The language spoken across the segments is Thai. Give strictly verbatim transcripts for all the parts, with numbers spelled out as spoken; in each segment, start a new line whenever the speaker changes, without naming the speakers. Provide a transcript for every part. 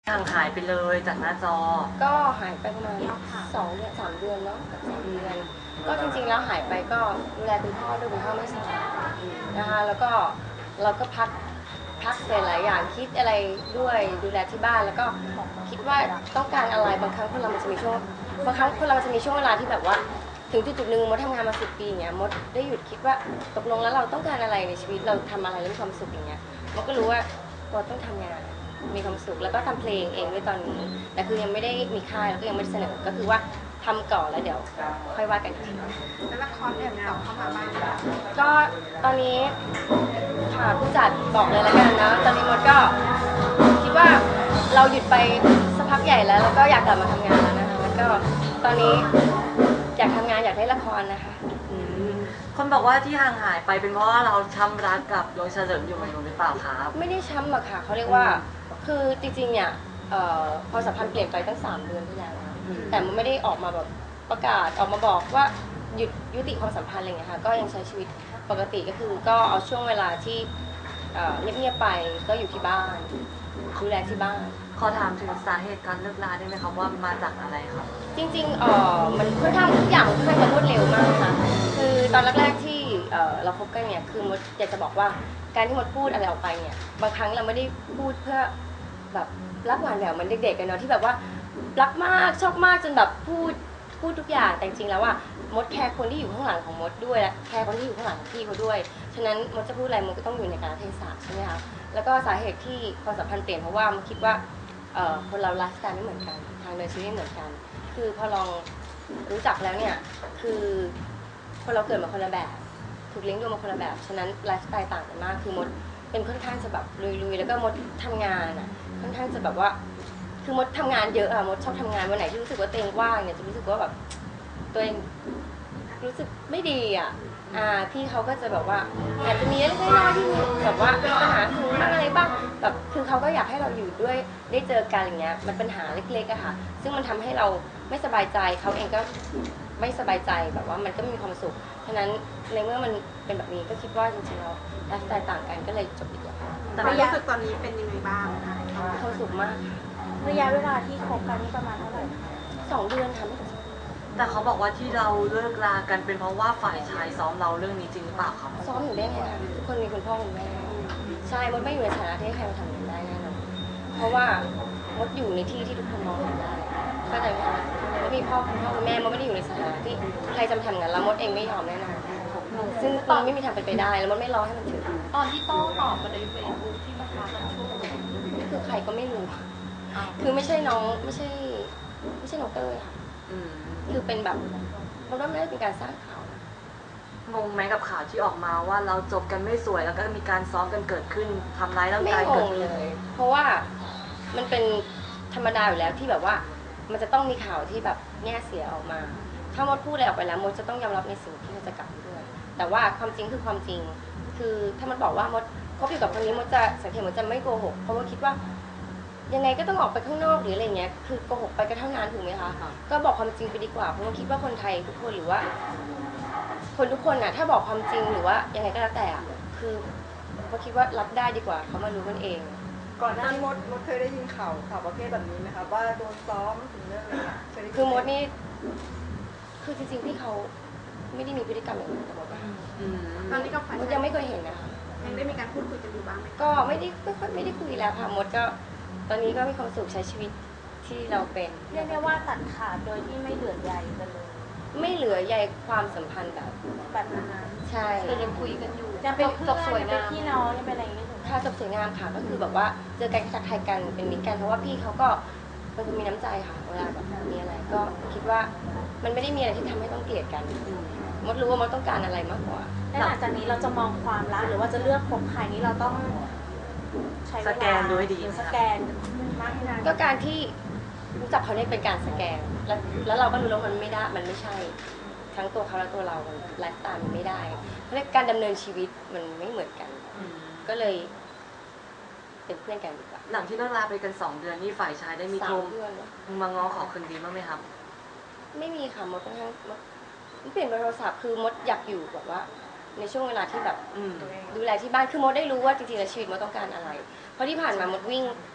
ห่างหายไปเลยจากหน้าจอ
ก็หายไปประมาณสองเดือนสามเดือนเนาะกับสามเดือนก็จริงๆแล้วหายไปก็ดูแลคุณพ่อด้วยคุณพ่อไม่สบายนะคะแล้วก็เราก็พักพักหลายๆอย่างคิดอะไรด้วยดูแลที่บ้านแล้วก็คิดว่าต้องการอะไรบางครั้งคนเรามันจะมีช่วงบางครั้งคนเรามันจะมีช่วงเวลาที่แบบว่าถึงจุดๆหนึ่งมดทำงานมาสิบปีอย่างเงี้ยมดได้หยุดคิดว่าตกลงแล้วเราต้องการอะไรในชีวิตเราทำอะไรแล้วมีความสุขอย่างเงี้ยมดก็รู้ว่าเราต้องทำงานมีความสุขแล้วก็ทำเพลงเองด้วยตอนนี้แต่คือยังไม่ได้มีค่ายแล้วก็ยังไม่ได้เสนอก็คือว่าทำก่อนแล้วเดี๋ยวค่อยว่ากันอีกที
แล้วละครเนี่ยต่อเข้ามาบ้าง
ก็ตอนนี้ค่ะผู้จัดบอกเลยแล้วกันนะตอนนี้มดก็คิดว่าเราหยุดไปสักพักใหญ่แล้วแล้วก็อยากกลับมาทำงานแล้วนะคะแล้วก็ตอนนี้อยากทำงานอยากได้ละครนะคะ
คนบอกว่าที่ห่างหายไปเป็นเพราะว่าเราช้ำรักกับดวงเฉลิมอยู่หรือเปล่าครับ
ไม่ได้ช้ำหรอกค่ะเขาเรียกว่าคือจริงๆเนี่ยพอสัมพันธ์เปลี่ยนไปตั้งสามเดือนที่แล้วแต่มันไม่ได้ออกมาแบบประกาศออกมาบอกว่าหยุดยุติความสัมพันธ์อะไรอย่างเงี้ยค่ะก็ยังใช้ชีวิตปกติก็คือก็เอาช่วงเวลาที่เงียบๆไปก็อยู่ที่บ้านดูแลที่บ้าน
ขอถามถึงสาเหตุการเลิกลาได้ไหมครับว่ามาจากอะไรครับ
จริงๆเออมันค่อนข้างทุกอย่างค่อนข้างจะรวดเร็วมากค่ะคือตอนแรกๆที่เราคบกันเนี่ยคือมดอยากจะบอกว่าการที่มดพูดอะไรออกไปเนี่ยบางครั้งเราไม่ได้พูดเพื่อแบบรักหวานแหววเหมือนเด็กๆกันเนาะที่แบบว่ารักมากชอบมากจนแบบพูดพูดทุกอย่างแต่จริงๆแล้วว่ามดแคร์คนที่อยู่ข้างหลังของมดด้วยและแคร์คนที่อยู่ข้างหลังของพี่เขาด้วยฉะนั้นมดจะพูดอะไรมดก็ต้องอยู่ในกาลเทศะใช่ไหมคะแล้วก็สาเหตุที่ความสัมพันธ์เปลี่ยนเพราะว่ามดคิดว่าคนเราไลฟ์สไตล์ไม่เหมือนกันทางเดินชีวิตไม่เหมือนกันคือพอลองรู้จักแล้วเนี่ยคือคนเราเกิดมาคนละแบบถูกเลี้ยงดูมาคนละแบบฉะนั้นไลฟ์สไตล์ต่างกันมากคือมดเป็นค่อนข้างจะแบบลุยๆแล้วก็มดทำงานอ่ะค่อนข้างจะแบบว่าคือมดทำงานเยอะอะมดชอบทำงานวันไหนที่รู้สึกว่าตัวเองว่างเนี่ยจะรู้สึกว่าแบบตัวเองรู้สึกไม่ดีอ่ะอ่าพี่เขาก็จะแบบว่าอาจจะมีเล็กๆน้อยๆที่แบบว่าปัญหาคือบ้างอะไรบ้างแบบคือเขาก็อยากให้เราอยู่ด้วยได้เจอกันอย่างเงี้ยมันปัญหาเล็กๆอะค่ะซึ่งมันทำให้เราไม่สบายใจเขาเองก็ไม่สบายใจแบบว่ามันก็มีความสุขฉะนั้นในเมื่อมันเป็นแบบนี้ก็คิดว่าจริงๆเราไลฟ์สไตล์ต่างกันก็เลยจบดีกว่า
แต่รู้สึกตอนนี้เป็นยังไงบ้างคะ
มีความสุขมาก
ระยะเวลาที่คบกันนี่ประมาณเท่าไหร่
สองเดือนค่ะไม่ถึง
แต่เขาบอกว่าที่เราเลิกลากันเป็นเพราะว่าฝ่ายชายซ้อมเราเรื่องนี้จริงหรือเปล่าครับ
ซ้อมอยู่ได้ไงคะทุกคนมีคุณพ่อคุณแม่ใช่มดไม่อยู่ในฐานะที่ใครมาทำอย่างนี้ได้แน่นอนเพราะว่ามดอยู่ในที่ที่ทุกคนมองเห็นได้เข้าใจไหมคะมดมีพ่อคุณพ่อคุณแม่มดไม่ได้อยู่ในสถานะที่ใครจะมาทำงานแล้วมดเองไม่ยอมแน่นอนซึ่งตอนไม่มีทางเป็นไปได้แล้วมดไม่รอให้มันถึง
ตอนที่โต้ตอบกันในเฟซบุ๊กที่มาท้ากันช่วง
คือใครก็ไม่รู้คือไม่ใช่น้องไม่ใช่ไม่ใช่น้องเต้ยค่ะคือเป็นแบบมดว่าไม่ได้เป็นการสร้างข่าว
งงไหมกับข่าวที่ออกมาว่าเราจบกันไม่สวยแล้วก็มีการซ้อมกันเกิดขึ้นทำร้ายร่างกายเกิดขึ้น
เลยเพราะว่ามันเป็นธรรมดาอยู่แล้วที่แบบว่ามันจะต้องมีข่าวที่แบบแง่เสียออกมาถ้ามดพูดอะไรออกไปแล้วมดจะต้องยอมรับในสิ่งที่มันจะกลับด้วยแต่ว่าความจริงคือความจริงคือถ้ามันบอกว่ามดคบอยู่กับคนนี้มดจะสังเกตมดจะไม่โกหกเพราะว่าคิดว่ายังไงก็ต้องออกไปข้างนอกหรืออะไรเงี้ยคือโกหกไปก็เท่านั้นถูกไหมคะก็บอกความจริงไปดีกว่าเพราะว่าคิดว่าคนไทยทุกคนหรือว่าคนทุกคนน่ะถ้าบอกความจริงหรือว่ายังไงก็แล้วแต่คือเขาคิดว่ารับได้ดีกว่าเขามารู้กันเอง
ก่อนหน้านี้มดมดเคยได้ยินข่าวข่าวประเภทแบบนี้ไหมคะว่าโดนซ้อมถึงเรื่องอะไร
คือมดนี่คือจริงๆพี่เขาไม่ได้มีพฤติกรรมอย่างนั้นกับมด
ตอนนี้ก็
มดยังไม่เคยเห็นนะคะ
ยังได้มีการพูดคุยกันอยู่บ้างไหม
ก็ไม่ได้ไม่ค่อยไม่ได้คุยแล้วค่ะมดก็ตอนนี้ก็มีความสุขใช้ชีวิตที่เราเป็น
เรียกได้ว่าตัดขาดโดยที่ไม่เหลือใยกันเลย
ไม่เหลือใยความสัมพันธ์แบบ
แบบนั้น
ใช่
แต่ยังคุยกันอยู่จะเป็นจบสวยงามเป็นพี่น้องยังเป็นอะไรอย่างเงี้ย
ค่ะจบสวยงามค่ะก็คือแบบว่าเจอกันทักทายกันเป็นมิตรกันเพราะว่าพี่เขาก็เป็นคนมีน้ำใจค่ะเวลาแบบมีอะไรก็คิดว่ามันไม่ได้มีอะไรที่ทำให้ต้องเกลียดกันมดรู้ว่ามดต้องการอะไรมากกว่า
และหลังจากนี้เราจะมองความรักหรือว่าจะเลือกคบใครนี้เราต้องใช้เวลา
สแกนด้วยดี
สแกนมากนาน
ก็การที่รู้จักเขาเนี่ยเป็นการสแกนแล้วแล้วเราก็รู้แล้วมันไม่ได้มันไม่ใช่ทั้งตัวเขาและตัวเราไลฟ์สไตล์มันไม่ได้เพราะการดำเนินชีวิตมันไม่เหมือนกันก็เลยเป็นเพื่อนกันดีกว่า
หลังที่เลิกลาไปกันสองเดือนนี่ฝ่ายชายได้มีโทรมาง้อขอคืนดีบ้างไหมครับ
ไม่มีค่ะมดค่อนข้างมดเปลี่ยนโทรศัพท์คือมดอยากอยู่แบบว่าในช่วงเวลาที่แบบดูแลที่บ้านคือมดได้รู้ว่าจริงๆแล้วชีวิตมดต้องการอะไรเพราะที่ผ่านมามดวิ่ง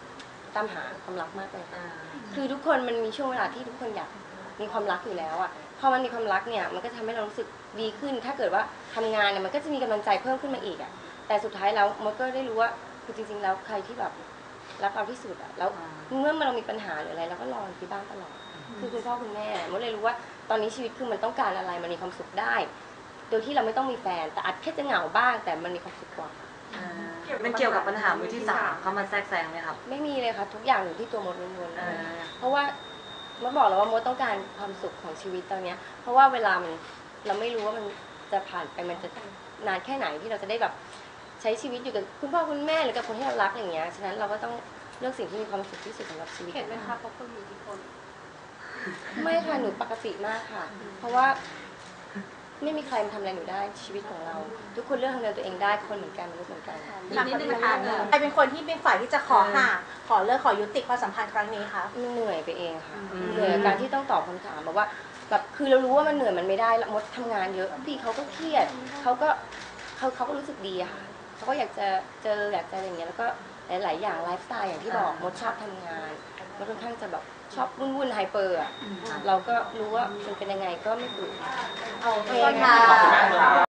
ตามหาความรักมากเลยคือทุกคนมันมีช่วงเวลาที่ทุกคนอยากมีความรักอยู่แล้วอ่ะพอมันมีความรักเนี่ยมันก็ทำให้เรารู้สึกดีขึ้นถ้าเกิดว่าทำงานเนี่ยมันก็จะมีกำลังใจเพิ่มขึ้นมาอีกอ่ะแต่สุดท้ายแล้วมดก็ได้รู้ว่าคือจริงๆแล้วใครที่แบบรักเราที่สุดอ่ะแล้วเมื่อเรามีปัญหาหรืออะไรเราก็รอที่บ้านตลอดคือคุณพ่อคุณแม่มดเลยรู้ว่าตอนนี้ชีวิตคือมันต้องการอะไรมันมีความสุขได้โดยที่เราไม่ต้องมีแฟนแต่อาจแค่จะเหงาบ้างแต่มันมีความสุขกว่า
มันเกี่ยวกับปัญหามือที่สามเขามาแทรกแซงไหมครับ
ไม่มีเลยค่ะทุกอย่างอยู่ที่ตัวมดล้วนๆเพราะว่ามดบอกแล้วว่ามดต้องการความสุขของชีวิตตอนนี้เพราะว่าเวลามันเราไม่รู้ว่ามันจะผ่านไปมันจะนานแค่ไหนที่เราจะได้แบบใช้ชีวิตอยู่กับคุณพ่อคุณแม่หรือกับคนที่เรารักอย่างเงี้ยฉะนั้นเราก็ต้องเลือกสิ่งที่มีความสุขที่สุดสำหรับชีวิต
เห็นไหมคะเพราะคนมีอิทธิพล
ไม่ค่ะหนูปกติมากค่ะเพราะว่าไม่มีใครมาทำอะไรหนูได้ชีวิตของเราทุกคนเลือกทำอะไรตัวเองได้คนเหมือนกันมนุษย์เหมือนกัน
อีกนิดนึงค่ะใครเป็นคนที่เป็นฝ่ายที่จะขอห่างขอเลิกขอยุติความสัมพันธ์ครั้งนี้คะ
มันเหนื่อยไปเองค่ะเหนื่อยกับการที่ต้องตอบคำถามแบบว่าแบบคือเรารู้ว่ามันเหนื่อยมันไม่ได้มดทำงานเยอะพี่เขาก็เครียดเขาก็เขาเขาก็รู้สึกดีอะค่ะเขาก็อยากจะเจออยากจะอะไรอย่างเงี้ยแล้วก็หลายๆอย่างไลฟ์สไตล์อย่างที่บอกมดชอบทำงานมดค่อนข้างจะแบบชอบวุ่นวุ่นไฮเปอร์อะเราก็รู้ว่ามันเป็นยังไงก็ไม่ฝืน
โอเคค่ะ